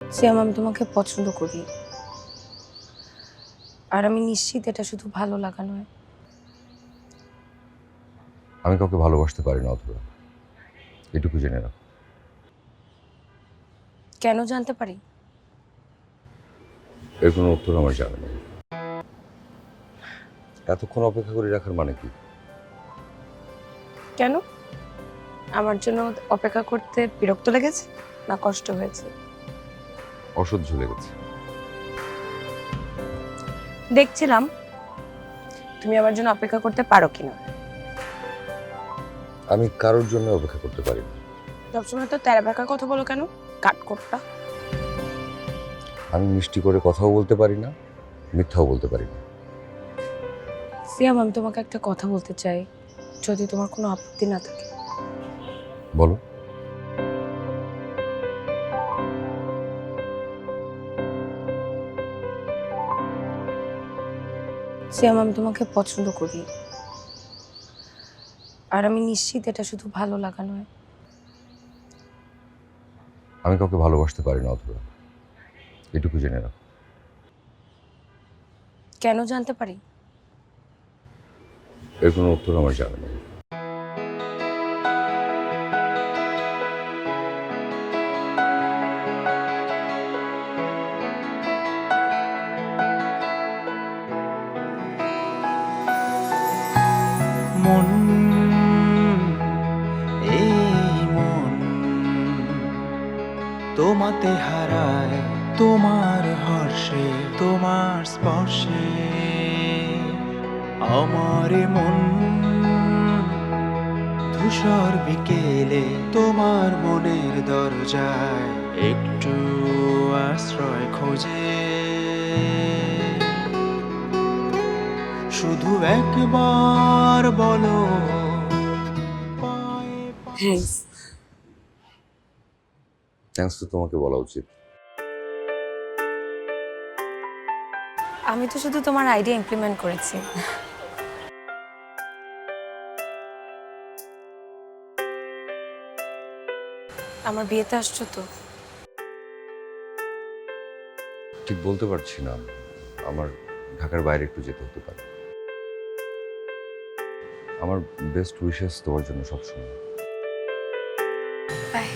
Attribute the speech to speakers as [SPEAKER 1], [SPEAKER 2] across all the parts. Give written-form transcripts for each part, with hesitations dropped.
[SPEAKER 1] সিয়াম, আমি তোমাকে পছন্দ করি, আর আমি নিশ্চিত এটা শুধু ভালো লাগা নয়।
[SPEAKER 2] আমি কাউকে ভালোবাসতে পারি না অথবা, এটুকু জেনে রাখো।
[SPEAKER 1] কেন জানতে পারি?
[SPEAKER 2] এর কোনো উত্তর আমার জানা নেই। এতক্ষণ অপেক্ষা করে রাখার মানে কি?
[SPEAKER 1] কেন? আমার জন্য অপেক্ষা করতে বিরক্ত লেগেছে না কষ্ট হয়েছে?
[SPEAKER 2] অসহ্য লেগেছে।
[SPEAKER 1] দেখছিলাম তুমি আমার জন্য অপেক্ষা করতে পারো কিনা।
[SPEAKER 2] আমি কারোর জন্য অপেক্ষা করতে পারি না।
[SPEAKER 1] সবসময় তো তেরা বেঁকা কথা বলো কেন, কাঠকোট্টা।
[SPEAKER 2] আমি মিষ্টি করে কথাও বলতে পারি না, মিথ্যাও বলতে পারি না।
[SPEAKER 1] সিয়াম, আমি তোমাকে একটা কথা বলতে চাই, যদি তোমার কোনো আপত্তি না থাকে।
[SPEAKER 2] বলো।
[SPEAKER 1] সিয়াম, আমি তোমাকে পছন্দ করি, আর আমি নিশ্চিত এটা শুধু ভালো লাগা নয়।
[SPEAKER 2] আমি কাউকে ভালোবাসতে পারি না অথবা, এটুকু জেনে রাখো।
[SPEAKER 1] কেন জানতে পারি?
[SPEAKER 2] এর কোনো উত্তর আমার জানা নেই।
[SPEAKER 3] মন, এই মন তোমাতে হারায়, তোমার হর্ষে, তোমার স্পর্শে। আমার মন ধূসর বিকেলে তোমার মনের দরজায় একটু আশ্রয় খোঁজে। শুধু একবার বলো পায়ে পায়ে।
[SPEAKER 2] থ্যাঙ্কস তো তোমাকে বলা উচিত।
[SPEAKER 1] আমি তো শুধু তোমার আইডিয়া ইমপ্লিমেন্ট করেছি। আমার বিয়েতে আসছো তো?
[SPEAKER 2] ঠিক বলতে পারছি না, আমার ঢাকার বাইরে একটু যেতে হতে পারে। আমার বেস্ট উইশেস তোমার জন্য সবসময়।
[SPEAKER 1] বাই।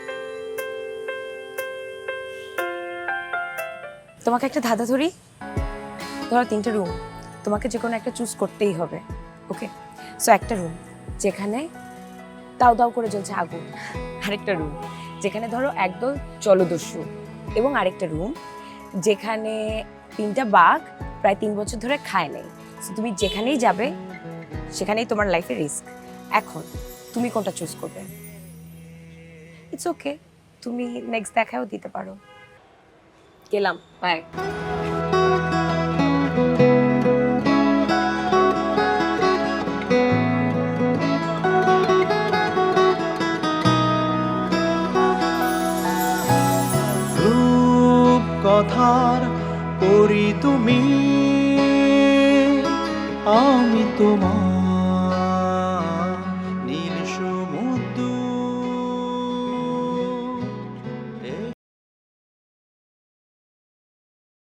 [SPEAKER 1] তোমাকে একটা ধাঁধা ধরি। ধরো 3টে রুম, তোমাকে যে কোনো একটা চুজ করতেই হবে। ওকে, সো একটা রুম যেখানে দাউ দাউ করে জ্বলছে আগুন, আরেকটা রুম যেখানে ধরো একদল জলদস্যু, এবং আরেকটা রুম যেখানে 3টা বাঘ প্রায় 3 বছর ধরে খায় নাই। সো তুমি যেখানেই যাবে সেখানেই তোমার লাইফে রিস্ক। এখন তুমি কোনটা চুজ করবে? ইটস ওকে, তুমি নেক্সট দেখাও দিতে পারো। গেলাম, বাই।
[SPEAKER 3] রূপ কথার পরি তুমি, আমি তোমার